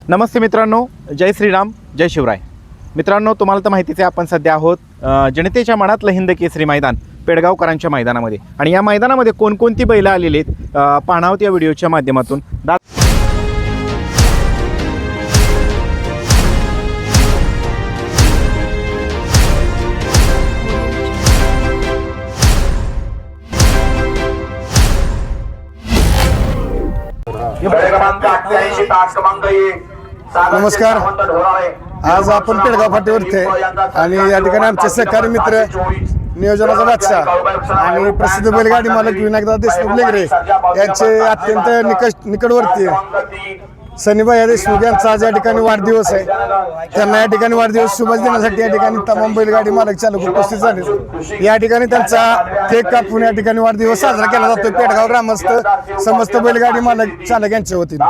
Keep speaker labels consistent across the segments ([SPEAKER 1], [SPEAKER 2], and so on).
[SPEAKER 1] नमस्ते मित्रांनो, जय श्रीराम, जय शिवराय. मित्रांनो, तुम्हाला तर माहितीच आहे, आपण सध्या आहोत जनतेच्या मनातलं हिंद केसरी मैदान पेडगावकरांच्या मैदानामध्ये. आणि या मैदानामध्ये कोणकोणती बैलं आलेली आहेत पाहणार आहोत या व्हिडिओच्या माध्यमातून.
[SPEAKER 2] नमस्कार. आज आपण पेडगाव फाटीवरती आहे आणि या ठिकाणी आमचे सहकारी मित्र नियोजनाचा बादशाह आणि प्रसिद्ध बैलगाडी मालक विनायकदादा देशमुख लेगरे यांचे अत्यंत निकटवर्ती सनीबाई देशमुख यांचा आज या ठिकाणी वाढदिवस आहे. त्यांना या ठिकाणी वाढदिवस शुभेच्छा देण्यासाठी या ठिकाणी तमाम बैलगाडी मालक चालक उपस्थित झाले. या ठिकाणी त्यांचा केक कापून या ठिकाणी वाढदिवस साजरा केला जातो. पेडगाव ग्रामस्थ समस्त बैलगाडी मालक चालक यांच्या वतीने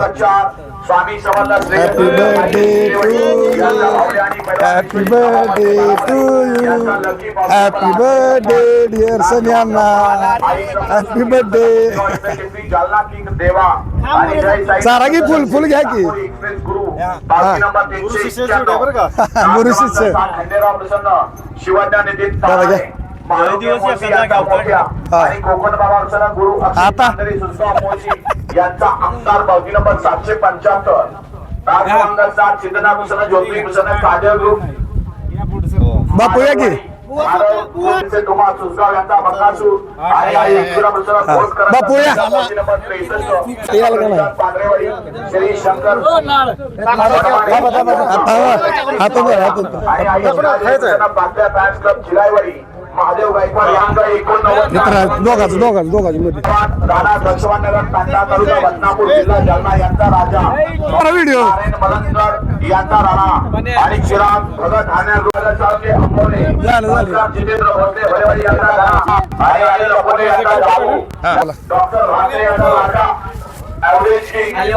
[SPEAKER 2] happy birthday to you, happy birthday to you, happy birthday dear Sunny Anna, happy birthday. चारा की फुल फुल घ्या की गुरु शिष्य आता
[SPEAKER 3] यांचा आमदार बावकी नंबर 775
[SPEAKER 2] बापू या की बापू या
[SPEAKER 3] श्री शंकर महादेव गायकवाड यांचा 89
[SPEAKER 2] दोघांची मध्ये
[SPEAKER 3] राणा लक्ष्मणनगर तांडा तालुका बदनापूर जिल्हा जालना यांचा राजा
[SPEAKER 2] व्हिडिओ
[SPEAKER 3] मलंगड यांचा राणा आणि चिराग भगत ठाण्याचे अंबोले जितेंद्र भोसले भरेवाडी यांचा राणा आणि अनिल अपोले यांचा जाऊ डॉक्टर राणे यांचा राजा ॲव्हरेज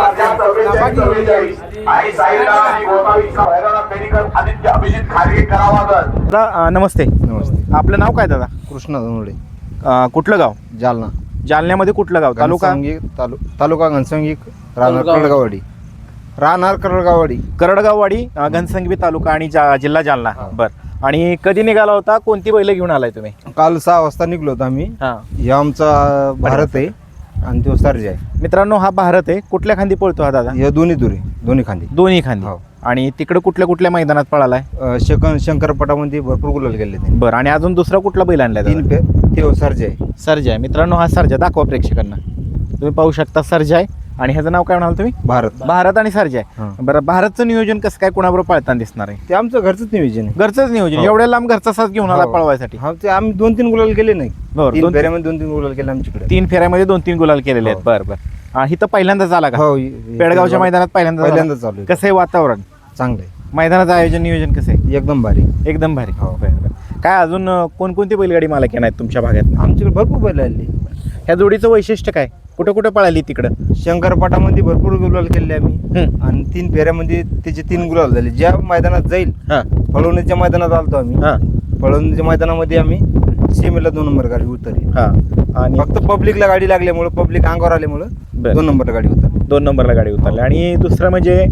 [SPEAKER 3] आणि साईला आणि गोसावीचा भैरवनाथ मेडिकल आदित्य अभिजित खारगे करावागत.
[SPEAKER 1] नमस्ते. आपलं नाव काय दादा?
[SPEAKER 4] कृष्णा धनुडे.
[SPEAKER 1] कुठलं गाव?
[SPEAKER 4] जालना.
[SPEAKER 1] जालन्यामध्ये कुठलं गाव? तालुका
[SPEAKER 4] तालुका घनसंगी, राहणार करडगाववाडी. राहणार करडगाववाडी.
[SPEAKER 1] करडगाववाडी, घनसंगी तालुका आणि जिल्हा जालना. बरं. आणि कधी निघाला होता? कोणती बैल घेऊन आलाय तुम्ही?
[SPEAKER 4] काल 6 वाजता निघलो होतो आम्ही. हा आमचा भारत आहे आणि तो सर्ज आहे.
[SPEAKER 1] मित्रांनो, हा भारत आहे. कुठल्या खांदी पळतो हा दादा?
[SPEAKER 4] हे दोन्ही खांदी.
[SPEAKER 1] दोन्ही खांदी. आणि तिकडे कुठल्या कुठल्या मैदानात पळालाय?
[SPEAKER 4] शंकरपटामध्ये भरपूर गुलाल गेले ते.
[SPEAKER 1] बरं. आणि अजून दुसरा कुठला बैल आणलाय?
[SPEAKER 4] ते सर्ज आहे.
[SPEAKER 1] सर्ज आहे. मित्रांनो, हा सर्जा दाखवा प्रेक्षकांना. तुम्ही पाहू शकता, सर्ज आहे. आणि ह्याचं नाव काय म्हणाल तुम्ही? भारत आणि सर्ज आहे. बरं. भारतचं नियोजन कसं काय, कोणाबरोबर पळताना दिसणार आहे?
[SPEAKER 4] ते आमचं घरचंच नियोजन आहे.
[SPEAKER 1] घरचंच नियोजन. एवढ्या लांब घरचा साथ घेऊन आला पळवायसाठी?
[SPEAKER 4] हा, ते आम्ही 2-3 गुलाल केले नाही.
[SPEAKER 1] 3
[SPEAKER 4] फेऱ्यामध्ये 2-3 गुलाल केले आमच्याकडे.
[SPEAKER 1] 3 फेऱ्यामध्ये 2-3 गुलाल केलेले आहेत. बरं बरं. ही तर पहिल्यांदाच आला का?
[SPEAKER 4] हो,
[SPEAKER 1] पेडगावच्या मैदानात पहिल्यांदा
[SPEAKER 4] चालू आहे.
[SPEAKER 1] कसं आहे वातावरण?
[SPEAKER 4] चांगलं आहे.
[SPEAKER 1] मैदानाचं आयोजन नियोजन कसं आहे?
[SPEAKER 4] एकदम भारी.
[SPEAKER 1] एकदम भारी. हो. काय अजून कोणकोणती बैलगाडी मालक आहेत तुमच्या भागात?
[SPEAKER 4] आमच्याकडे भरपूर बैल आली.
[SPEAKER 1] ह्या जोडीचं वैशिष्ट्य काय? कुठं कुठं पळाली तिकडं?
[SPEAKER 4] शंकरपाटामध्ये भरपूर गुलाल केले आम्ही आणि 3 फेऱ्यामध्ये त्याचे 3 गुलाल झाले. ज्या मैदानात जाईल, पळवणीच्या मैदानात आलतो आम्ही. पळवणीच्या मैदानामध्ये आम्ही सीमेला 2 नंबर गाडी उतरली. आणि फक्त पब्लिकला गाडी लागल्यामुळे, पब्लिक अंगावर आल्यामुळे 2 नंबरला गाडी उतरली.
[SPEAKER 1] 2 नंबरला गाडी उतरली. आणि दुसरं म्हणजे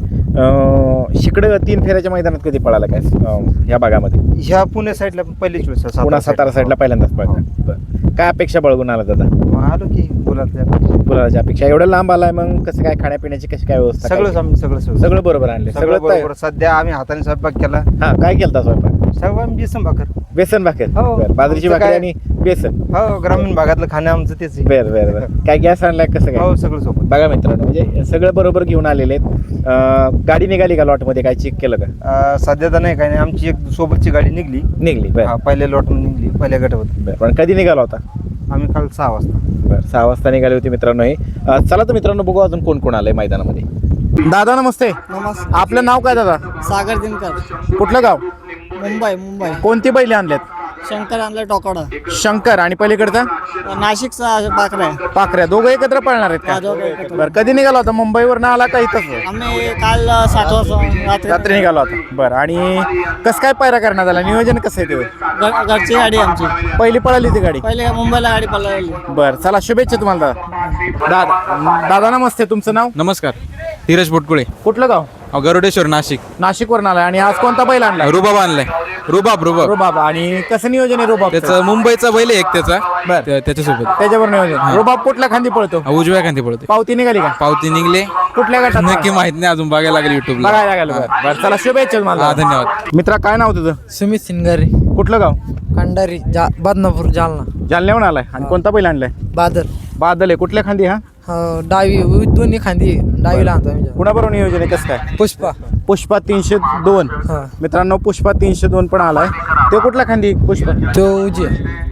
[SPEAKER 1] शिकडं 3 फेऱ्याच्या मैदानात कधी पळाला काय ह्या भागामध्ये?
[SPEAKER 4] ह्या पुणे साईडला पहिलीच वेळेस,
[SPEAKER 1] पुन्हा सातारा साईडला पहिल्यांदाच पळतात. काय अपेक्षा बाळगून आला दादा?
[SPEAKER 4] आलो की
[SPEAKER 1] गुलालाच्या अपेक्षा. एवढं लांब आलाय, मग कसं काय खाण्यापिण्याची कशी काय व्यवस्था? सगळं बरोबर आणले. सगळं
[SPEAKER 4] बरोबर. सध्या आम्ही हाताने स्वयंपाक केला.
[SPEAKER 1] काय केलता स्वयंपाक?
[SPEAKER 4] सगळं बेसन भाकर.
[SPEAKER 1] बेसन भाकर.
[SPEAKER 4] हो.
[SPEAKER 1] बाजरीची भाकर आणि बेसन.
[SPEAKER 4] हो, ग्रामीण भागातलं खाणं आमचं तेच आहे.
[SPEAKER 1] बरं. काय गॅस आणलाय कसं काय?
[SPEAKER 4] हो, सगळं सोबत.
[SPEAKER 1] बघा मित्रांनो, म्हणजे सगळं बरोबर घेऊन आलेले आहेत. गाडी निघाली का लॉटमध्ये? काय चेक केलं का?
[SPEAKER 4] सध्या तर नाही, काय नाही. आमची एक सोबतची गाडी निघली. पहिल्या लॉटमध्ये निघली, पहिल्या गटावर.
[SPEAKER 1] पण कधी निघाला होता?
[SPEAKER 4] आम्ही काल 6 वाजता.
[SPEAKER 1] बरं, 6 वाजता निघाले होते मित्रांनो. हे चला तर मित्रांनो, बघू अजून कोण कोण आलंय मैदानामध्ये. दादा नमस्ते.
[SPEAKER 5] नमस्ते.
[SPEAKER 1] आपलं नाव काय दादा?
[SPEAKER 5] सागर दिनकर.
[SPEAKER 1] कुठलं गाव?
[SPEAKER 5] मुंबई.
[SPEAKER 1] कोणती बैले आणल्यात?
[SPEAKER 5] शंकर आणलं टोकाडा.
[SPEAKER 1] शंकर आणि पलीकडचा
[SPEAKER 5] नाशिकचा पाखरा.
[SPEAKER 1] पाखऱ्या. दोघं एकत्र पळणार आहेत का? बरं. कधी निघाला होता? मुंबईवर आला का इथंच?
[SPEAKER 5] आम्ही काल 7 वाजता
[SPEAKER 1] रात्री निघाला होता. बरं. आणि कसं काय पायरा करण्यात आला? नियोजन कसं आहे ते?
[SPEAKER 5] घरची गाडी आमची
[SPEAKER 1] पहिली पळाली ती गाडी?
[SPEAKER 5] पहिले मुंबईला गाडी पळाली.
[SPEAKER 1] बरं. चला, शुभेच्छा तुम्हाला दादा. दादा नमस्ते. तुमचं नाव?
[SPEAKER 6] नमस्कार. धीरज पोटकुळे
[SPEAKER 1] कुठलं गाव?
[SPEAKER 6] गरुडेश्वर नाशिक.
[SPEAKER 1] नाशिकवरून आलाय. आणि आज कोणता बैल आणला?
[SPEAKER 6] रुबाब आणलाय. रुबाब.
[SPEAKER 1] रुबाब. आणि कसं नियोजन आहे रुबाब?
[SPEAKER 6] त्याचं मुंबईचा बैल आहे एक त्याचा.
[SPEAKER 1] बर.
[SPEAKER 6] त्याच्यासोबत
[SPEAKER 1] त्याच्यावर नियोजन. रुबाब कुठल्या खांदी पळतो?
[SPEAKER 6] उजव्या खांदी पडते.
[SPEAKER 1] पावती निघाली का?
[SPEAKER 6] पावती निघले.
[SPEAKER 1] कुठल्या गटात?
[SPEAKER 6] नक्की माहित नाही अजून, बघायला लागेल युट्यूबला.
[SPEAKER 1] बघायला लागेल. बरं चला शुभेच्छा मला.
[SPEAKER 6] हा, धन्यवाद.
[SPEAKER 1] मित्रा काय नाव तुझं?
[SPEAKER 5] सुमित सिंगारे
[SPEAKER 1] कुठलं गाव?
[SPEAKER 5] खंडारी बदनापूर जालना.
[SPEAKER 1] जालन्याहून आलाय. आणि कोणता बैल आणलाय?
[SPEAKER 5] बादल
[SPEAKER 1] बादल आहे. कुठल्या खांदी हा?
[SPEAKER 5] डावी दोन्ही खांदी डावीला आणतो आम्ही.
[SPEAKER 1] कुणाबरोबर नियोजन आहे कसं काय?
[SPEAKER 5] पुष्पा.
[SPEAKER 1] पुष्पा 302.
[SPEAKER 5] हा.
[SPEAKER 1] मित्रांनो पुष्पा 302 पण आलाय. ते कुठल्या खांदी पुष्पा?
[SPEAKER 5] तो उजी.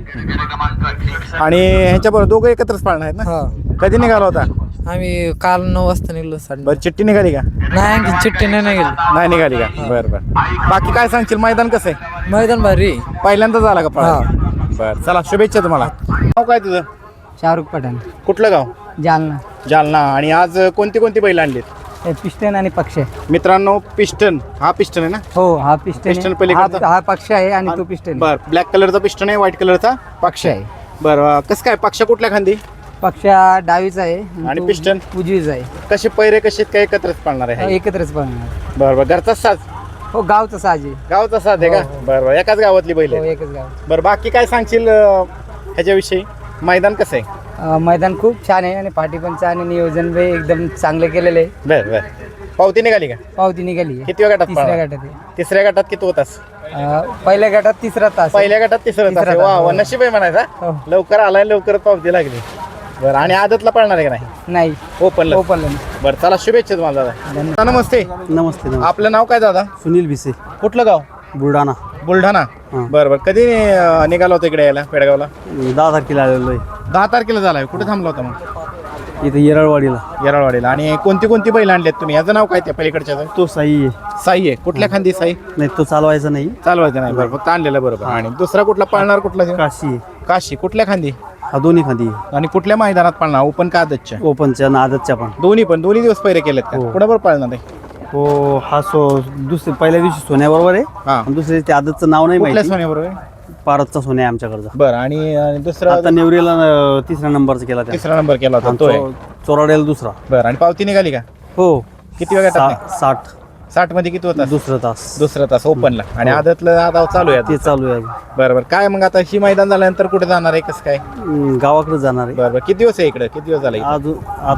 [SPEAKER 1] आणि ह्याच्याबरोबर दोघं एकत्रच पाळणार आहेत ना?
[SPEAKER 5] हा.
[SPEAKER 1] कधी निघाला होता?
[SPEAKER 5] आम्ही काल 9 वाजता निघलो.
[SPEAKER 1] बरं चिठ्ठी निघाली का?
[SPEAKER 5] नाही आणखी चिठ्ठी नाही गेली.
[SPEAKER 1] नाही निघाली का? बरं बरं. बाकी काय सांगशील? मैदान कसं आहे?
[SPEAKER 5] मैदान भारी.
[SPEAKER 1] पहिल्यांदाच आला का पळा? बरं चला शुभेच्छा तुम्हाला. नाव काय तुझं?
[SPEAKER 5] शाहरुख पठाण.
[SPEAKER 1] कुठलं गाव?
[SPEAKER 5] जालना.
[SPEAKER 1] जालना. आणि आज कोणती कोणती बैल आणलीत?
[SPEAKER 5] पिस्टन आणि पक्ष.
[SPEAKER 1] मित्रांनो पिस्टन. हा पिस्टन आहे ना?
[SPEAKER 5] हो हा पिस्टन.
[SPEAKER 1] पिस्टन पलीकडचा?
[SPEAKER 5] हा पक्ष आहे आणि तो पिस्टन.
[SPEAKER 1] बरं ब्लॅक कलरचा पिस्टन आहे, व्हाईट कलरचा पक्ष आहे. बरं कसं काय पक्ष कुठल्या खांदी?
[SPEAKER 5] पक्ष डावीचा आहे
[SPEAKER 1] आणि
[SPEAKER 5] तो
[SPEAKER 1] पिस्टन?
[SPEAKER 5] उजवीचा आहे.
[SPEAKER 1] कसे पैरे कसे काय एकत्रच पाळणार आहे?
[SPEAKER 5] एकत्रच पळणार.
[SPEAKER 1] बरं बरं. घरचाच साज?
[SPEAKER 5] हो गावचा साजी.
[SPEAKER 1] गावचा साज आहे का? बरं बरं. एकाच गावातली बैल
[SPEAKER 5] हो
[SPEAKER 1] आहे.
[SPEAKER 5] एकच गाव.
[SPEAKER 1] बरं बाकी काय सांगशील ह्याच्याविषयी? मैदान कसं आहे?
[SPEAKER 5] मैदान खूप छान आहे आणि पाठी पण छान आहे. नियोजन बी एकदम चांगलं केलेलं आहे.
[SPEAKER 1] बरं बरं. पावती निघाली का?
[SPEAKER 5] पावती निघाली आहे.
[SPEAKER 1] किती गटात
[SPEAKER 5] तिसऱ्या
[SPEAKER 1] पळाला?
[SPEAKER 5] गटात आहे.
[SPEAKER 1] तिसऱ्या गटात किती होतास?
[SPEAKER 5] पहिल्या गटात तिसरा तास आहे.
[SPEAKER 1] पहिल्या गटात तिसरं तास आहे. वा वा, नशीब आहे म्हणायचा.
[SPEAKER 5] हो.
[SPEAKER 1] लवकर आलाय, लवकर पावती लागली. बरं आणि आदतला पळणार आहे का नाही?
[SPEAKER 5] नाही
[SPEAKER 1] ओपनला?
[SPEAKER 5] ओपनला.
[SPEAKER 1] बरं चला शुभेच्छा तुम्हाला दादा. नमस्ते.
[SPEAKER 2] नमस्ते.
[SPEAKER 1] आपलं नाव काय दादा?
[SPEAKER 2] सुनील भिसे,
[SPEAKER 1] कुठलं गाव?
[SPEAKER 2] बुलढाणा.
[SPEAKER 1] बुलढाणा. बरं बरं. कधी निघाला होता इकडे यायला पेडगावला?
[SPEAKER 2] 10 तारखेला आलेलो आहे
[SPEAKER 1] 10 तारखेला झालाय. कुठे थांबला होता मग?
[SPEAKER 2] इथे येरळवाडीला.
[SPEAKER 1] येरळवाडीला. आणि कोणती कोणती बैल आणली आहेत तुम्ही? याचं नाव काय त्या पलीकडच्या?
[SPEAKER 2] तो साई आहे.
[SPEAKER 1] साई आहे. कुठल्या खांदी साई?
[SPEAKER 2] नाही तो चालवायचा नाही.
[SPEAKER 1] चालवायचं नाही. बरं फक्त आणलेलं. बरोबर. आणि दुसरा कुठला पाळणार? कुठला?
[SPEAKER 2] काशी आहे.
[SPEAKER 1] काशी. कुठल्या खांदी?
[SPEAKER 2] हा दोन्ही खांदी आहे.
[SPEAKER 1] आणि कुठल्या मैदानात पाळणार? ओपन का आदतच्या?
[SPEAKER 2] ओपनच्या आणि आदतच्या पण.
[SPEAKER 1] दोन्ही पण. दोन्ही दिवस पहिरे केलेत का?
[SPEAKER 2] हो.
[SPEAKER 1] कुणाबरोबर पाळणार आहे?
[SPEAKER 2] हो हा दुसरे पहिल्या दिवशी सोन्याबरोबर आहे.
[SPEAKER 1] हा.
[SPEAKER 2] आणि दुसरे ते आदतचं नाव नाही
[SPEAKER 1] कुठल्या
[SPEAKER 2] माहिती.
[SPEAKER 1] सोन्याबरोबर आहे?
[SPEAKER 2] पारतचा सोन्या आहे आमच्याकडचा.
[SPEAKER 1] बरं. आणि दुसरा
[SPEAKER 2] आता नेवरीला 3रा नंबरचा केला त्या.
[SPEAKER 1] तिसरा नंबर केला होता तो आहे.
[SPEAKER 2] चोराड्याला 2रा.
[SPEAKER 1] बरं. आणि पावती निघाली का?
[SPEAKER 2] हो.
[SPEAKER 1] किती वेळ गटात?
[SPEAKER 2] 60
[SPEAKER 1] 60 मध्ये किती होता?
[SPEAKER 2] 2रा तास.
[SPEAKER 1] दुसरा तास ओपनला. आणि आदतला आता चालू आहे.
[SPEAKER 2] ते चालू आहे अजून.
[SPEAKER 1] बरं बरं. काय मग आता ही मैदान झाल्यानंतर कुठे जाणार आहे? कसं काय?
[SPEAKER 2] गावाकडे जाणार आहे
[SPEAKER 1] बरं बरं. किती दिवस आहे इकडे? किती दिवस झाले?
[SPEAKER 2] अजून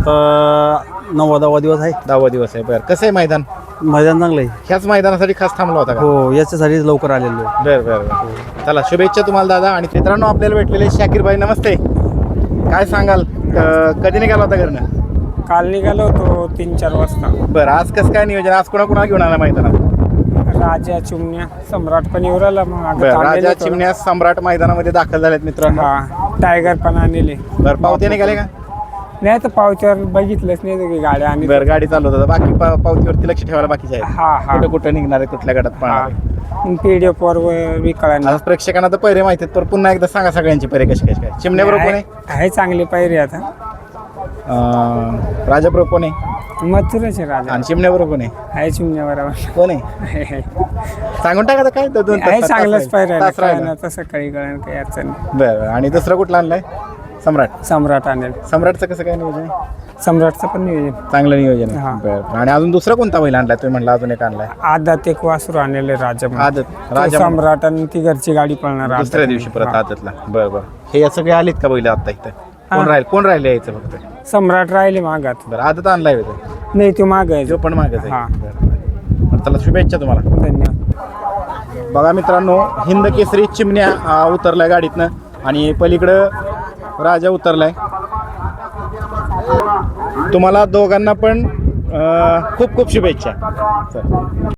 [SPEAKER 2] आता 9वा दिवस आहे.
[SPEAKER 1] 10वा दिवस आहे. बरं. कसं आहे मैदान?
[SPEAKER 2] मैदान चांगलं आहे.
[SPEAKER 1] ह्याच मैदानासाठी खास थांबला होता का?
[SPEAKER 2] हो याच्यासाठीच लवकर आलेलो आहे.
[SPEAKER 1] बरं बरं बरं. चला शुभेच्छा तुम्हाला दादा. आणि मित्रांनो आपल्याला भेटलेले शाकीर भाई नमस्ते. काय सांगाल? कधी निघाला होता घरनं?
[SPEAKER 7] काल निघालो होतो 3-4 वाजता.
[SPEAKER 1] बरं. आज कसं काय नियोजन? आज कोणा घेऊन आला मैदानात?
[SPEAKER 7] राजा चिमण्या सम्राट पण येऊ राहिला. मग आता
[SPEAKER 1] बरं.
[SPEAKER 7] थांबलेलो
[SPEAKER 1] राजा
[SPEAKER 7] होतो.
[SPEAKER 1] चिमण्या सम्राट मैदानामध्ये दाखल झालेत मित्रांनो.
[SPEAKER 7] हा टायगर पण आणले.
[SPEAKER 1] बरं. पावती निघाले का?
[SPEAKER 7] नाही तर पावच्यावर बघितलंच नाही की गाड्या आणि
[SPEAKER 1] बरं. गाडी चालवत होता. बाकी पावतीवरती लक्ष ठेवायला बाकीचे आहेत.
[SPEAKER 7] हा हा
[SPEAKER 1] कुठं कुठं निघणार आहे? कुठल्या गटात पाहणार आहे?
[SPEAKER 7] PDF वर विकळायला
[SPEAKER 1] आता प्रेक्षकांना तर पैरे माहिती आहेत, पण पुन्हा एकदा सांगा सगळ्यांची पैरे कशी कशी काय? चिमण्याबरोबर कोण आहे?
[SPEAKER 7] आहे चांगली पायरी आता.
[SPEAKER 1] राजाबरोबर कोण आहे?
[SPEAKER 7] मथुराचे राजा.
[SPEAKER 1] आणि चिमण्याबरोबर कोण आहे?
[SPEAKER 7] आहे चिमण्या बरोबर.
[SPEAKER 1] कोण आहे? सांगून टाका आता काय दोन
[SPEAKER 7] आहे
[SPEAKER 1] तास
[SPEAKER 7] चांगलंच पायरी
[SPEAKER 1] तास राहिला.
[SPEAKER 7] आहे. तसं काही कळण काही अडचण नाही.
[SPEAKER 1] बरं. आणि दुसरा कुठला आणलाय? सम्राट.
[SPEAKER 7] सम्राट आणेल.
[SPEAKER 1] सम्राटचं कसं काय नियोजन आहे?
[SPEAKER 7] सम्राटचं पण नियोजन.
[SPEAKER 1] चांगलं नियोजन
[SPEAKER 7] हा.
[SPEAKER 1] आहे. बरं. आणि अजून दुसरा कोणता बैल आणलाय तुम्ही? म्हणला अजून एक आणलाय
[SPEAKER 7] आदात एक वासरू आणलेले राजा म्हणून.
[SPEAKER 1] आदत.
[SPEAKER 7] तो
[SPEAKER 1] राजा
[SPEAKER 7] सम्राट आणि ती घरची गाडी पळणार.
[SPEAKER 1] दुसऱ्या दिवशी परत आदतला. बरं बरं. हे सगळे आलेत का बैल आता इथं? कोण राहिले यायचं फक्त?
[SPEAKER 7] सम्राट राहिले मागात.
[SPEAKER 1] बरं. आदत आणलाय होतं?
[SPEAKER 7] नाही तो माग आहे.
[SPEAKER 1] जो पण मागच आहे.
[SPEAKER 7] हा.
[SPEAKER 1] बरं बरं. चला शुभेच्छा तुम्हाला.
[SPEAKER 7] धन्यवाद.
[SPEAKER 1] बघा मित्रांनो हिंद केसरी चिमण्या उतरलाय गाडीतनं आणि पलीकडं राजा उतरलाय. तुम्हाला दोघांना पण खूप खूप शुभेच्छा. चल.